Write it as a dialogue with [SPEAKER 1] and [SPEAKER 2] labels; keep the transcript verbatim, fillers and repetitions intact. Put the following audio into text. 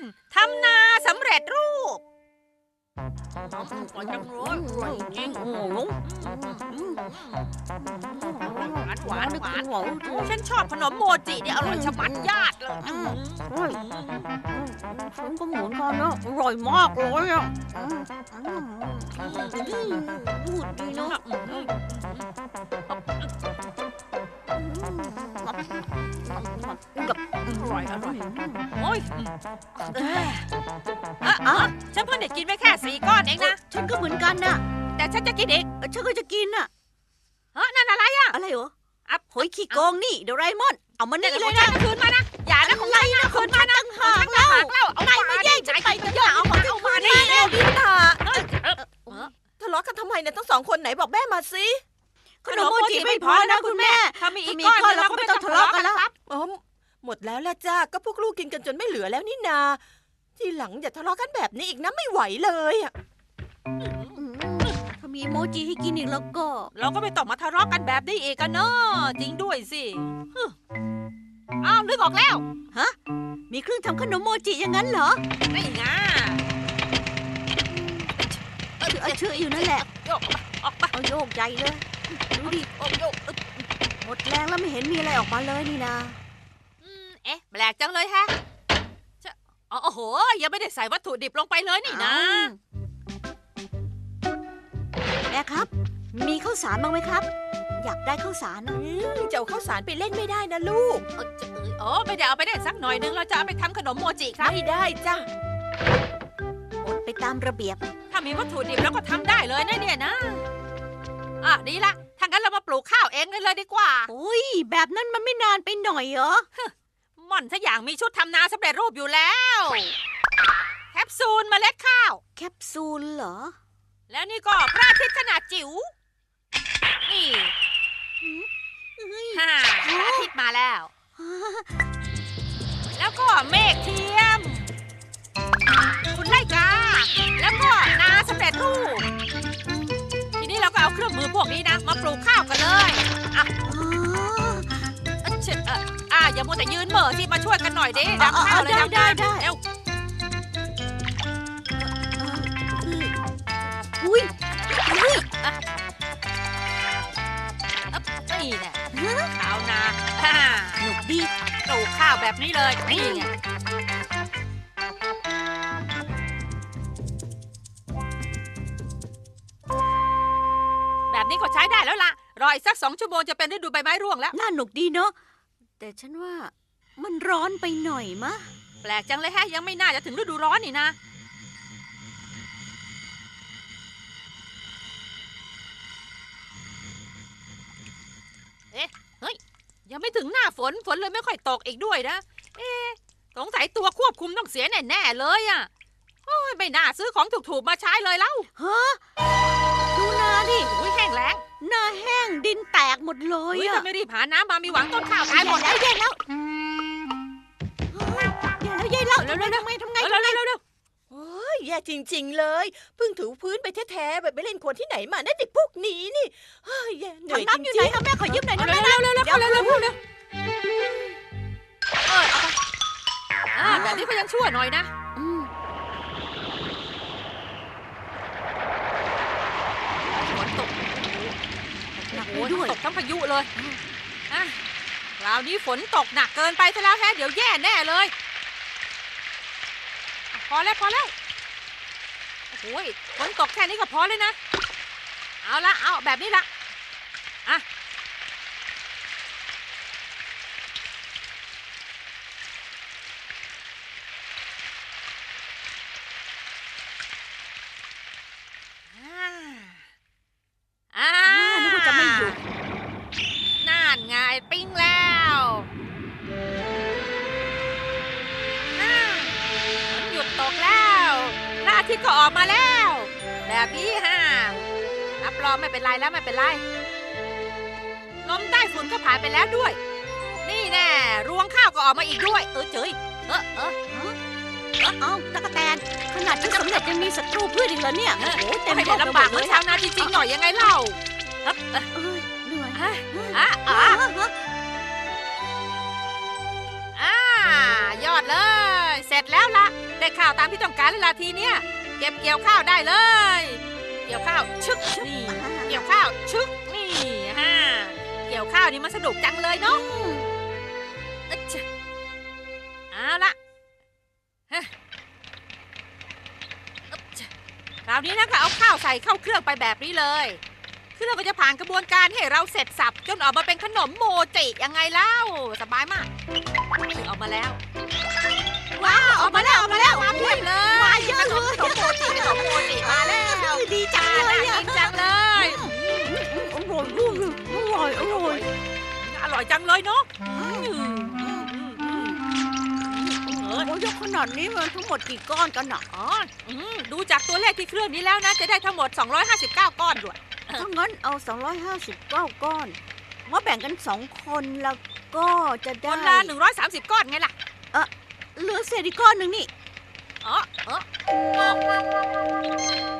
[SPEAKER 1] ทำนาสำเร็จรูปอร่อยจังเลยอร่อยจริงหวานหวานหวานหวานฉันชอบขนมโมจิเนี่ยอร่อยชะมัดญาติเลย
[SPEAKER 2] ฉันก็เหมือนกันนะอร่อยมากเลยอ่ะพูดดีเนาะ
[SPEAKER 1] กับอร่อยอร่อยโอ้ยอ่ะฉันเพิ่งได้กินไปแค่สี่ก้อนเองนะ
[SPEAKER 2] ฉันก็เหมือนกันนะ
[SPEAKER 1] แต่ฉันจะกินอีก
[SPEAKER 2] ฉันก็จะกินน่ะ
[SPEAKER 1] เฮ้ยนั่นอะไรอ่ะ
[SPEAKER 2] อะไรเหรออ่ะหอยขี้โกงนี่โดราเอมอนเอามานี่เลย
[SPEAKER 1] นะคืนมานะอย่านะของไรนะคืนมานะ
[SPEAKER 2] หากเล่าเอาไปมาแย่งฉันไปก็อย่าเอาของเอามานี่
[SPEAKER 3] เร็วดิตาทะเลาะกันทำไมเนี่ยทั้งสองคนไหนบอกแม่มาสิ
[SPEAKER 2] ขนมโมจิไม่พอนะคุณแม่
[SPEAKER 1] ถ้ามีอีกก้อนเราก็ไม่ต้องทะเลาะกันแล้ว
[SPEAKER 3] อ๋อหมดแล้วละจ้าก็พวกลูกกินกันจนไม่เหลือแล้วนี่นาทีหลังอย่าทะเลาะกันแบบนี้อีกนะไม่ไหวเลยอ่ะ
[SPEAKER 2] ถ้ามีโมจิให้กินอีกแล้วก็
[SPEAKER 1] เราก็ไม่ต้องมาทะเลาะกันแบบนี้อีกกันเนาะจริงด้วยสิอ้าวนึกออกแล้ว
[SPEAKER 2] ฮะมีเครื่องทำขนมโมจิอย่างนั้นเหรอ
[SPEAKER 1] ไม่ไง
[SPEAKER 2] เอาเชื่ออยู่นั่นแหละ
[SPEAKER 1] โยกออกไป
[SPEAKER 2] เอาโยกใหญ่เลยดูดิ
[SPEAKER 1] โยก
[SPEAKER 2] หมดแรงแล้วไม่เห็นมีอะไรออกมาเลยนี่นะ
[SPEAKER 1] เอ๊ะแปลกจังเลยแฮะโอ้โหยังไม่ได้ใส่วัตถุดิบลงไปเลยนี่นะ
[SPEAKER 2] แม่ครับมีข้าวสารบ้างไหมครับอยากได้ข้าวสารนะ
[SPEAKER 3] จะเอาข้าวสารไปเล่นไม่ได้นะลูก
[SPEAKER 1] อ๋อไม่ได้เอาไปได้สักหน่อยนึงเราจะเอาไปทำขนมโมจิครับ
[SPEAKER 3] ไม่ได้จ้ะ
[SPEAKER 2] อดไปตามระเบียบ
[SPEAKER 1] ถ้ามีวัตถุดิบแล้วก็ทำได้เลยนะเนี่ยนะอ่ะดีละถ้างั้นเรามาปลูกข้าวเองกันเลยดีกว่า
[SPEAKER 2] โอ้ยแบบนั้นมันไม่นานไปหน่อยเหรอ
[SPEAKER 1] ม่อนถ้าอย่างมีชุดทำนาสำเร็จรูปอยู่แล้วแคปซูลเมล็ดข้าว
[SPEAKER 2] แคปซูลเหรอ
[SPEAKER 1] แล้วนี่ก็พระอาทิตย์ขนาดจิ๋วนี่ฮ่าพระอาทิตย์มาแล้วแล้วก็เมฆเทียมคุณไล่กาแล้วก็นาสำเร็จรูปทีนี้เราก็เอาเครื่องมือพวกนี้นะมาปลูกข้าวกันเลยอ่ะอ่ะอย่ามัวแต่ยืนเหม่อสิมาช่วยกันหน่อยดิดำข้าวเลยดำได้ได้เร็ว
[SPEAKER 2] อุ้ย
[SPEAKER 1] อุ้ยนี่แหละข้าวนา
[SPEAKER 2] หนุกดี
[SPEAKER 1] ปลูกข้าวแบบนี้เลยนี่ไงแบบนี้ก็ใช้ได้แล้วล่ะรออีกสักสองชั่วโมงจะเป็นฤดูใบไม้ร่วงแล้ว
[SPEAKER 2] น่าหนุกดีเนาะแต่ฉันว่ามันร้อนไปหน่อยมะ
[SPEAKER 1] แปลกจังเลยแฮะยังไม่น่าจะถึงฤดูร้อนนี่นะเอ๊ะเฮ้ยยังไม่ถึงหน้าฝนฝนเลยไม่ค่อยตกอีกด้วยนะเอ๊ะสงสัยตัวควบคุมต้องเสียแน่ๆเลยอ่ะโอ้ยไม่น่าซื้อของถูกๆมาใช้เลยเล่า
[SPEAKER 2] ฮะดูนาดิ
[SPEAKER 1] อุ้ยแห้งแล้ง
[SPEAKER 2] นาแห้งดินแตกหมดเลย
[SPEAKER 1] อ่ะถ้าไม่รีบหาน้ำมามีหวังต้นข้าวตายหมด
[SPEAKER 2] แล้วแย่แล้วแย่แล้วแย่แล้วทำไงทำไง
[SPEAKER 1] เร็วเร็วเร็ว
[SPEAKER 3] โอ้ยแย่จริงๆเลยเพิ่งถูพื้นไปแท้ๆแบบไปเล่นโคลนที่ไหนมานั่นเด็กพวกนี้นี่เฮ้ยแย่เหนื่อยจริงๆอยู่ไหน
[SPEAKER 2] คะแม่ขอยืมหน่อยนะ
[SPEAKER 1] แม่นะเร็วเร็วเร็วเร็วเร็วเร็วเร็วเออเอาไปอ่าแบบนี้ก็ยังชั่วหน่อยนะฝนตกหนักด้วยตกทั้งพายุเลยอ่ะคราวนี้ฝนตกหนักเกินไปซะแล้วแฮะเดี๋ยวแย่แน่เลยพอแล้วพอแล้วโอ้ยฝนตกแค่นี้ก็พอเลยนะเอาละเอาแบบนี้ละอ่ะอ่า
[SPEAKER 2] นึกว่าจะไม่หยุด
[SPEAKER 1] น่านไงปิ้งแล้วหยุดตกแล้วพระอาทิตย์ก็ออกมาแล้วแบบนี้ฮะรับรองไม่เป็นไรแล้วไม่เป็นไรลมใต้ฝุ่นก็ผ่านไปแล้วด้วยนี่แน่รวงข้าวก็ออกมาอีกด้วยเออเจ๋ยเออเออ
[SPEAKER 2] เออเอ้าตะกะแตนขนาดที่สำเร็จยังมีศัตรูพืชอีกเหรอเนี่ย
[SPEAKER 1] โอ้แต่ไม่ได้ลำบากเหมือนชาวนาจริงๆหน่อยยังไงเล่า
[SPEAKER 2] เหนื่อย
[SPEAKER 1] อ่ะอ่ะอ่ะยอดเลยเสร็จแล้วล่ะได้ข้าวตามที่ต้องการแล้วล่ะทีเนี้ยเก็บเกี่ยวข้าวได้เลย เกี่ยวข้าวชึกนี่เกี่ยวข้าวชึกนี่ฮะเกี่ยวข้าวนี่มันสนุกจังเลยเนาะอึ๊ดชะเอาละฮะอึ๊ดชะคราวนี้นะก็เอาข้าวใส่เข้าเครื่องไปแบบนี้เลยเครื่องก็จะผ่านกระบวนการให้เราเสร็จสับจนออกมาเป็นขนมโมจิยังไงเล่าสบายมากนี่ออกมาแล้วว้าวออกมาแล้วออกมาแล้วมาเพียบเลย
[SPEAKER 2] มาเยอะเลย
[SPEAKER 1] ขนมโมจิขนมโมจิมาแล้ว
[SPEAKER 2] ดีจังเลย
[SPEAKER 1] น่า
[SPEAKER 2] อะ
[SPEAKER 1] กินจังเลย
[SPEAKER 2] อร่อยลูกอร่อยอร่อย
[SPEAKER 1] อร่อยจังเลยเนาะ
[SPEAKER 2] โอ้ยกขนาดนี้มันทั้งหมดกี่ก้อนกันอ่ะ
[SPEAKER 1] อ๋ออืมดูจากตัวเลขที่เครื่องนี้แล้วนะจะได้ทั้งหมดสองร้อยห้าสิบเก้าก้อนด้วย
[SPEAKER 2] ถ้างั้นเอาสองร้อยห้าสิบเก้าก้อนมาแบ่งกันสองคนแล้วก็จะ
[SPEAKER 1] ค
[SPEAKER 2] ได้
[SPEAKER 1] นละหนึ่งร้อยสามสิบก้อนไงล่ะ
[SPEAKER 2] เหลือเศษอีกก้อนหนึ่งนี่
[SPEAKER 1] อ๋อเออ